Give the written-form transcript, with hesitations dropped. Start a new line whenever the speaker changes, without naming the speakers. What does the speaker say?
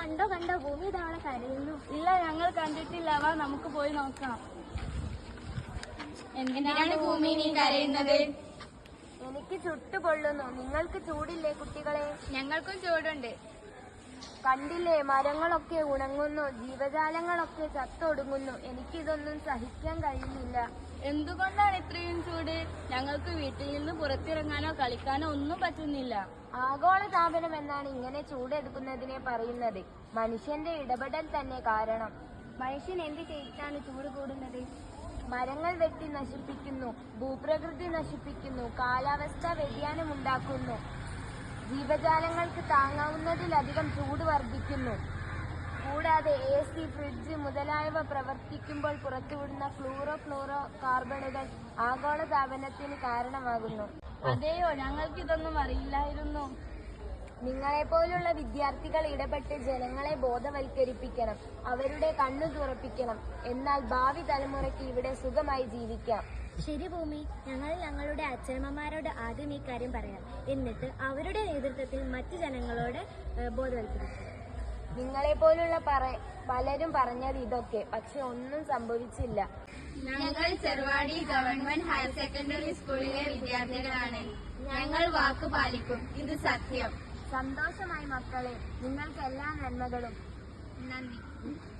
കണ്ടോ കണ്ടോ, ഭൂമി ഇതവളെ കരയുന്നു.
ഇല്ല, ഞങ്ങൾ കണ്ടിട്ടില്ല. വാ നമുക്ക് പോയി നോക്കാം.
എന്തിനാണ് ഭൂമി നീ കരയുന്നത്?
എനിക്ക് ചുട്ടുപൊള്ളുന്നു. നിങ്ങൾക്ക് ചൂടില്ലേ കുട്ടികളെ?
ഞങ്ങൾക്കും ചൂടുണ്ട്.
കണ്ടില്ലേ, മരങ്ങളൊക്കെ ഉണങ്ങുന്നു, ജീവജാലങ്ങളൊക്കെ ചത്തൊടുങ്ങുന്നു. എനിക്കിതൊന്നും സഹിക്കാൻ കഴിയുന്നില്ല.
എന്തുകൊണ്ടാണ് ഇത്രയും ചൂട്? ഞങ്ങൾക്ക് വീട്ടിൽ നിന്ന് പുറത്തിറങ്ങാനോ കളിക്കാനോ ഒന്നും പറ്റുന്നില്ല.
ആഗോളതാപനം എന്നാണ് ഇങ്ങനെ ചൂടെടുക്കുന്നതിനെ പറയുന്നത്. മനുഷ്യന്റെ ഇടപെടൽ തന്നെ കാരണം.
മനുഷ്യൻ എന്ത് ചെയ്തിട്ടാണ് ചൂട് കൂടുന്നത്?
മരങ്ങൾ വെട്ടി നശിപ്പിക്കുന്നു, ഭൂപ്രകൃതി നശിപ്പിക്കുന്നു, കാലാവസ്ഥാ വ്യതിയാനം ഉണ്ടാക്കുന്നു, ജീവജാലങ്ങൾക്ക് താങ്ങാവുന്നതിലധികം ചൂട് വർദ്ധിക്കുന്നു. കൂടാതെ AC, ഫ്രിഡ്ജ് മുതലായവ പ്രവർത്തിക്കുമ്പോൾ പുറത്തുവിടുന്ന ഫ്ലൂറോ കാർബണുകൾ ആഗോളതാപനത്തിന് കാരണമാകുന്നു.
അതെയോ, ഞങ്ങൾക്കിതൊന്നും അറിയില്ലായിരുന്നു.
നിങ്ങളെപ്പോലുള്ള വിദ്യാർത്ഥികൾ ഇടപെട്ട് ജനങ്ങളെ ബോധവൽക്കരിപ്പിക്കണം, അവരുടെ കണ്ണു തുറപ്പിക്കണം. എന്നാൽ ഭാവി തലമുറയ്ക്ക് ഇവിടെ സുഖമായി ജീവിക്കാം.
ശരി ഭൂമി, ഞങ്ങൾ ഞങ്ങളുടെ അച്ഛനമ്മമാരോട് ആദ്യം ഈ കാര്യം പറയാം. എന്നിട്ട് അവരുടെ നേതൃത്വത്തിൽ മറ്റു ജനങ്ങളോട് ബോധവൽക്കരിക്കും.
നിങ്ങളെപ്പോലുള്ള പലരും പറഞ്ഞത് ഇതൊക്കെ, പക്ഷെ ഒന്നും സംഭവിച്ചില്ല.
ഞങ്ങൾ ചെറുവാടി ഗവൺമെന്റ് ഹയർ സെക്കൻഡറി സ്കൂളിലെ വിദ്യാർത്ഥികളാണ്. ഞങ്ങൾ വാക്ക് പാലിക്കും, ഇത് സത്യം.
സന്തോഷമായി മക്കളെ, നിങ്ങൾക്ക് എല്ലാ നന്മകളും.
നന്ദി.